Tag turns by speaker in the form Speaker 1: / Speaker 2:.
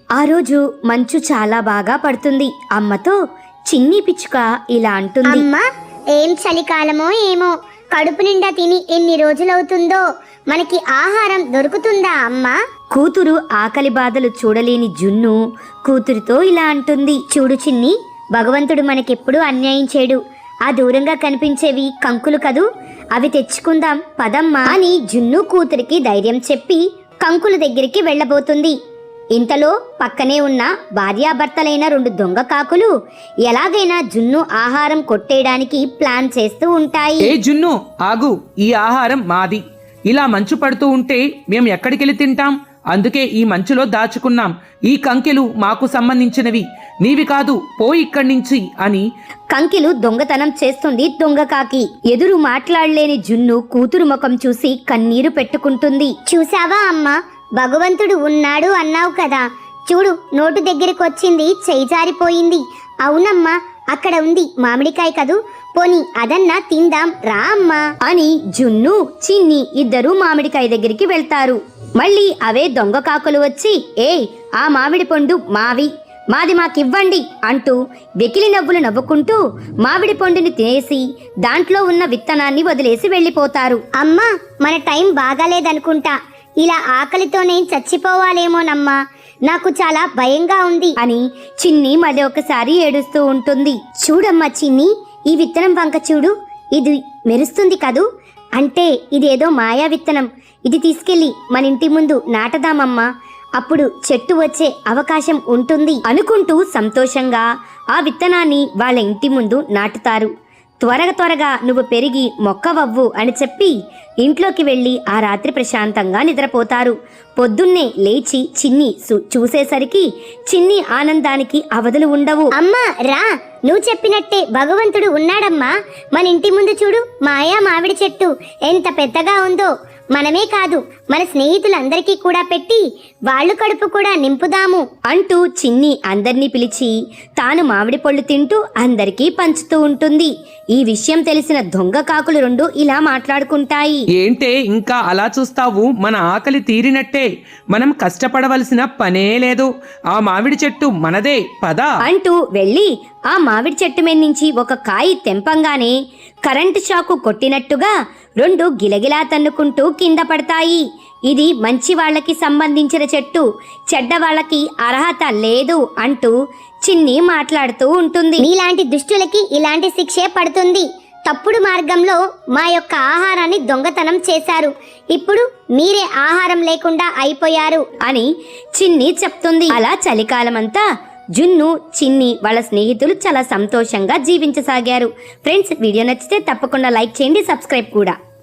Speaker 1: ఆ రోజు మంచు చాలా బాగా పడుతుంది. అమ్మతో చిన్ని పిచ్చుక ఇలా అంటుంది,
Speaker 2: అమ్మా, ఏం చలికాలమో ఏమో, కడుపు నిండా తిని ఎన్ని రోజులవుతుందో, మనకి ఆహారం దొరుకుతుందా అమ్మా?
Speaker 1: కూతురు ఆకలి బాధలు చూడలేని జున్ను కూతురితో ఇలా అంటుంది, చూడు చిన్ని, భగవంతుడు మనకెప్పుడు అన్యాయం చేయడు. ఆ దూరంగా కనిపించేవి కంకులు కదూ, అవి తెచ్చుకుందాం పదమ్మా అని జున్ను కూతురికి ధైర్యం చెప్పి కంకుల దగ్గరికి వెళ్ళబోతుంది. ఇంతలో పక్కనే ఉన్న భార్యాభర్తలైన 2 దొంగ కాకులు ఎలాగైనా జున్ను ఆహారం కొట్టేయడానికి ప్లాన్ చేస్తూ ఉంటాయి.
Speaker 3: ఏ జున్ను, ఆగు, ఈ ఆహారం మాది. ఇలా మంచు పడుతూ ఉంటే మేం ఎక్కడికెళ్ళి తింటాం? అందుకే ఈ మంచులో దాచుకున్నాం. ఈ కంకెలు మాకు సంబంధించినవి, నీవి కాదు, పో ఇక్కడి నుంచి అని
Speaker 1: కంకెలు దొంగతనం చేస్తుంది దొంగ కాకి. ఎదురు మాట్లాడలేని జున్ను కూతురు ముఖం చూసి కన్నీరు పెట్టుకుంటుంది.
Speaker 2: చూసావా అమ్మా, భగవంతుడు ఉన్నాడు అన్నావు కదా, చూడు నోటు దగ్గరికి వచ్చింది, చేయి జారిపోయింది. అవునమ్మా, అక్కడ ఉంది మామిడికాయ కదూ, పోనీ అదన్నా తిందాం రా అమ్మా
Speaker 1: అని జున్ను చిన్ని ఇద్దరూ మామిడికాయ దగ్గరికి వెళ్తారు. మళ్ళీ అవే దొంగ కాకులు వచ్చి, ఆ మామిడి పండు మాది మాకివ్వండి అంటూ వెకిలి నవ్వులు నవ్వుకుంటూ మామిడి పండుని తినేసి దాంట్లో ఉన్న విత్తనాన్ని వదిలేసి వెళ్ళిపోతారు.
Speaker 2: అమ్మా, మన టైం బాగాలేదనుకుంటా, ఇలా ఆకలితోనే చచ్చిపోవాలేమోనమ్మా, నాకు చాలా భయంగా ఉంది
Speaker 1: అని చిన్ని మళ్ళీ ఒకసారి ఏడుస్తూ ఉంటుంది. చూడమ్మా చిన్ని, ఈ విత్తనం వంక చూడు, ఇది మెరుస్తుంది కదూ, అంటే ఇదేదో మాయా విత్తనం. ఇది తీసుకెళ్లి మన ఇంటి ముందు నాటదామమ్మా, అప్పుడు చెట్టు వచ్చే అవకాశం ఉంటుంది అనుకుంటూ సంతోషంగా ఆ విత్తనాన్ని వాళ్ళ ఇంటి ముందు నాటుతారు. త్వరగా నువ్వు పెరిగి మొక్కవవ్వు అని చెప్పి ఇంట్లోకి వెళ్ళి ఆ రాత్రి ప్రశాంతంగా నిద్రపోతారు. పొద్దున్నే లేచి చిన్ని చూసేసరికి చిన్ని ఆనందానికి అవధులు ఉండవు.
Speaker 2: అమ్మా రా, నువ్వు చెప్పినట్టే భగవంతుడు ఉన్నాడమ్మా. మన ఇంటి ముందు చూడు, మాయా మామిడి చెట్టు ఎంత పెద్దగా ఉందో. మనమే కాదు, మన స్నేహితులందరికీ కూడా పెట్టి వాళ్ళు కడుపు కూడా నింపుదాము
Speaker 1: అంటూ చిన్ని అందర్నీ పిలిచి తాను మామిడి పళ్ళు తింటూ అందరికీ పంచుతూ ఉంటుంది. ఈ విషయం తెలిసిన దొంగ కాకులు 2 ఇలా మాట్లాడుకుంటాయి.
Speaker 3: ఏంటే ఇంకా అలా చూస్తావు? మన ఆకలి తీరినట్టే, మనం కష్టపడవలసిన పనే లేదు. ఆ మామిడి చెట్టు మనదే, పద
Speaker 1: అంటూ వెళ్ళి ఆ మామిడి చెట్టు మీద నుంచి ఒక కాయ తెంపంగానే కరెంటు షాకు కొట్టినట్టుగా 2 గిలగిలా తన్నుకుంటూ కింద పడతాయి. ఇది మంచి వాళ్ళకి సంబంధించిన చెట్టు, చెడ్డ వాళ్ళకి అర్హత లేదు అంటూ చిన్ని మాట్లాడుతూ ఉంటుంది.
Speaker 2: నీలాంటి దుష్టులకి ఇలాంటి శిక్షే పడుతుంది. తప్పుడు మార్గంలో మా యొక్క ఆహారాన్ని దొంగతనం చేశారు, ఇప్పుడు మీరే ఆహారం లేకుండా అయిపోయారు
Speaker 1: అని చిన్ని చెప్తుంది. అలా చలికాలమంతా జున్ను చిన్ని వాళ్ళ స్నేహితులు చాలా సంతోషంగా జీవించసాగారు. ఫ్రెండ్స్, వీడియో నచ్చితే తప్పకుండా లైక్ చేయండి, సబ్స్క్రైబ్ కూడా.